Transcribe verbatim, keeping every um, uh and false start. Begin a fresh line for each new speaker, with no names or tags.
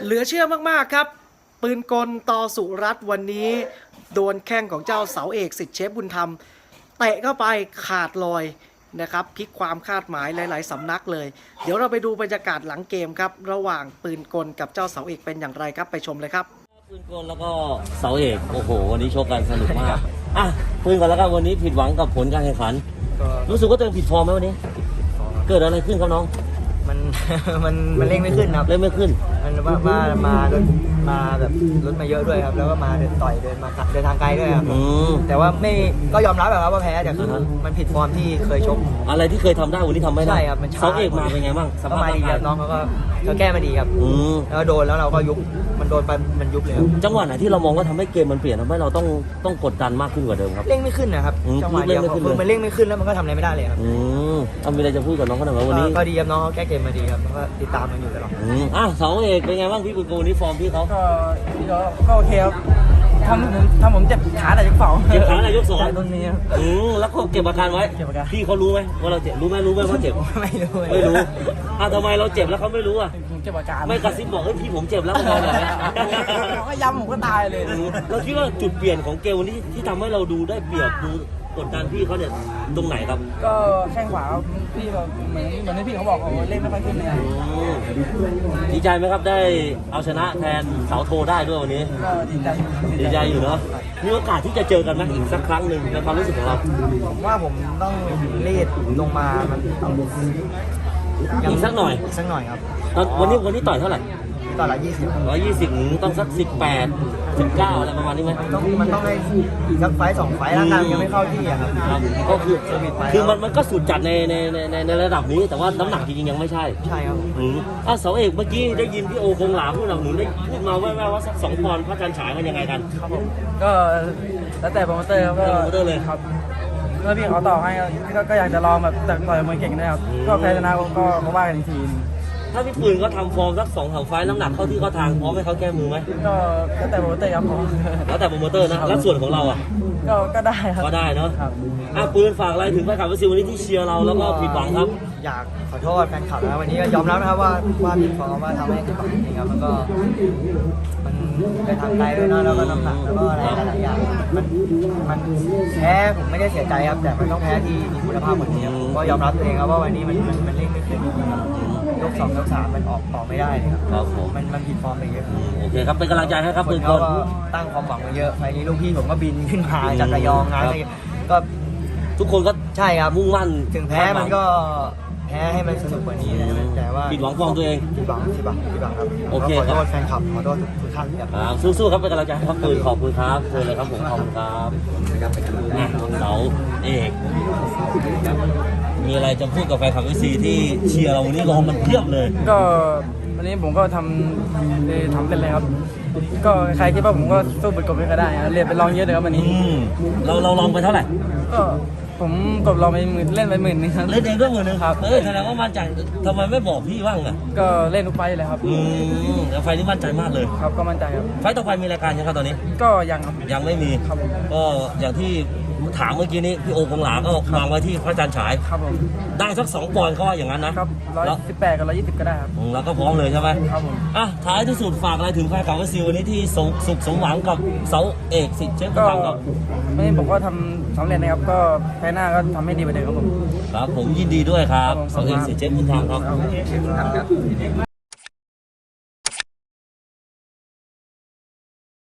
เหลือเชื่อมากๆครับปืนกลต่อสุรัตน์วันนี้โดนแข้งของเจ้าเสาเอกสิทธิ์เชฟบุญธรรมเตะเข้าไปขาดลอยนะครับพลิกความคาดหมายหลายๆสำนักเลยเดี๋ยวเราไปดูบรรยากาศหลังเกมครับระหว่างปืนกลกับเจ้าเสาเอกเป็นอย่างไรครับไปชมเลยครับ
ปืนกลแล้วก็เสาเอกโอ้โหวันนี้โชว์กันสนุกมากอ่ะปืนกลแล้วก็วันนี้ผิดหวังกับผลการแข่งขันรู้สึกว่าตัวเองผิดฟอร์มไหมวันนี้เกิดอะไรขึ้นครับน้อง
มันมันมันเร่งไม่ขึ้นครับ
เร่งไม่ขึ้น
มันว่ามามามามาแบบรถมาเยอะด้วยครับแล้วก็มาเดินต่อยเดินมาเดินทางไกลด้วยครับแต่ว่าไม่ก็ยอมรับแบบว่าแพ้แต่คือมันผิดฟอร์มที่เคยชก
อะไรที่เคยทำได้วันนี้ทำไม่ได้
ใช่ครับมัน
เสาเอกมาเป็นไงบ้าง
สภาพมาดีครับน้องเขาก็เขาแก้มาดีครับแล้วโดนแล้วเราก็ยุบมันโดนไปมันยุบเลยครับ
จังหวะไหนที่เรามองว่าทำให้เกมมันเปลี่ยนทำให้เราต้องต้องกดดันมากขึ้นกว่าเดิมครับ
เร่งไม่ขึ้นนะครับจังหวะเดียวคือมันเร่งไม่ขึ้นแล้วมันก็ทำอะไรไม่ได้เลยครับ
อืมเอามีอะไรจะพูดกับน้องเขาหน่อยวันนี้
ก็ดีครับน้องเขาแก้เกมมาดีครับก็ติดตามมันอยู่ตลอด
อ่ะเสาเอกเป็นไงบ้างพี่ปืนกลนี่ฟอร์มพี่เขา
ก็ก็โอเคครับทำผมทำผมเจ็บขาแต่ยกสอง
เจ็บขาแต่ยกสอง
ต้นนี้ครับ
อืมแล้วก็เก็บอาการไว้พี่เขารู้ไหมว่าเราเจ็บรู้ไหมรู้ไหมว่าเจ็บ
ไม่รู้
ไม่รู้อ่ะทำไมเราเจ็บแล้วเขาไม่รู้อ่ะ
ผมเจ็บอาการ
ไม่กระซิบบอกเฮ้ยพี่ผมเจ็บแล้วเขาเลย
เขาก็ย้ำผมก็ตายเลย
เราคิดว่าจุดเปลี่ยนของเกมวันนี้ที่ทำให้เราดูได้เปรียบดูกดดันพี่เขาเนี่ยตรงไหนครับ
ก็แข้งขวาพี่แบบเหมือนเหมือนที่พี่เขาบอกเขาเล่นไม่ค่อยขึ้นเลย
ดีใจไหมครับได้เอาชนะแทนเสาโทได้ด้วยวันนี้
ก็ดีใจ
ดีใจอยู่เนาะมีโอกาสที่จะเจอกันไหมอีกสักครั้งหนึ่งในความรู้สึกของเรา
ผมว่าผมต้องรีดลงมามัน
อีกสักหน่อย
สักหน่อยครับ
วันนี้วันนี้ต่อยเท่าไหร่
ต่อละยี่สิบ
ร้อยยี่สิบต้องสักสิบแปดสิบเก้าอะไรประมาณนี้ไหม
ต้องมันต้องให้อีกสักไฟสองไฟร่างกายยังไม่เข้าที่อะครับ
ก็คือคือมันมันก็สุดจัดในในในในระดับนี้แต่ว่าน้ำหนักจริงๆยังไม่ใช่
ใช่ครับ
อืมอ่ะเสาเอกเมื่อกี้ได้ยินพี่โอคงหลาพูดหนักหนุนได้พูดมาแว่วๆว่าสักสองปอนด์พระจันทร์ฉายมันยังไงกัน
ครับผมก็แล้วแต่โปรโมเตอร์ครับก็
โปรโมเตอร์เลย
ครับเมื่อพี่เขาต่อให้ก็อยากจะลองแบบแต่ต่อยมวยเก่งนะครับก็แพ้ชนะก็ก็ว่ากันอีกที
ถ้าพี่ปืนก็ทำฟอร์มสักสองสามไฟน้ำหนักเข้าที่เข้าทางพร้อมให้เขาแก้มือไหม
ก็แล้วแต่โปรโมเตอร์ครับผม
แล้วแต่โปรโมเตอร์นะแล้วส่วนของเราอ่ะ
ก็ก็ได้ครับ
ก็ได้เนาะอ่ะปืนฝากอะไรถึงแฟนคลับวันนี้ที่เชียร์เราแล้วก็ผิดหวังครับ
อยากขอโทษแฟนคลับนะวันนี้ก็ยอมรับนะครับว่าว่าผิดฟอร์มว่าทำให้ผิดหวังจริงครับมันก็มันไปทางไกลด้วยนะแล้วก็น้ำหนักแล้วก็อะไรหลายอย่างมันมันแพ้ผมไม่ได้เสียใจครับแต่มันต้องแพ้ที่มีคุณภาพกว่านี้ครับก็ยอมรับตัวเองครับว่าวันนี้มันมันมันเล่นไม่ขึ้นยกสองยกสามมันออกต่อไม่ได้ครับ
ครับผม
มันมันผิดฟอร์มไปเยอะ
โอเคครับเป็นกำลังใจให้ครับปืนกล
ตั้งความหวังมาเยอะไฟนี้ลูกพี่ผมก็บินขึ้นมาจากระยองนะก็
ทุกคนก็
ใช่ครับ
มุ่งมั่น
ถึงแพ้มันก็แพ้ให้มันสนุกกว่านี้นะแต่ว่า
ผิดหวังฟอร์มตัวเอง
ผิดหวังผิดหวังผิดหวังครับ
โอเค
ขอโทษแฟนคลับขอโทษทุกท่าน
ครับสู้ๆครับเป็นกำลังใจให้ครับปืนขอบคุณครับเชิญเลยครับผมขอบคุณครับเสาเอกมีอะไรจะพูดกับแฟนคลับวีซีที่เชียร์เราวันนี้รอมันเพียบเลย
ก็วันนี้ผมก็ทำทำเป็นเลยครับก็ใครคิดว่าผมก็สู้บทกบไม่ก็ได้เรียนไปลองเยอะเลยครับวันนี้
เราเราลองไปเท่าไหร่
ก็ผมกบลองไปหมื่นเล่นไปหมื่นนึงครับ
เล่นเองด้วยหมื่นนึงครับเออแสดงว่ามั่นใจทำไมไม่บอกพี่บ้างอ่ะ
ก็เล่นทุกไฟเลยครับ
อืมแล้วไฟนี้มั่นใจมากเลย
ครับก็มั่นใจครับ
ไฟต่อไปมีรายการยังครับตอนนี้
ก็ยังครับ
ยังไม่มี
ครับ
ก็อย่างที่ถามเมื่อกี้นี้พี่โอคงหลาก็วางไว้ที่พระจันทร์ฉาย
ครับผม
ได้สักสองปอนด์เขาว่าอย่างนั้นนะครับ
ร้อยสิบแปดกับร้อยยี่สิบก็ได้ครับ
แล้วก็พร้อมเลยใช่ไหม
ครับผม
อ่ะท้ายที่สุดฝากอะไรถึงแฟนคลับวีซีวันนี้ที่สุขสมหวังกับเสาเอกสิทธิ์เชฟบุญธรรมครับ
วันนี้ผมก็ทำสำเร็จนะครับก็แพ้หน้าก็ทำให้ดีไปเลยครับผม
ครับผมยินดีด้วยครับเสาเอกสิทธิ์เชฟบุญธรรมครับ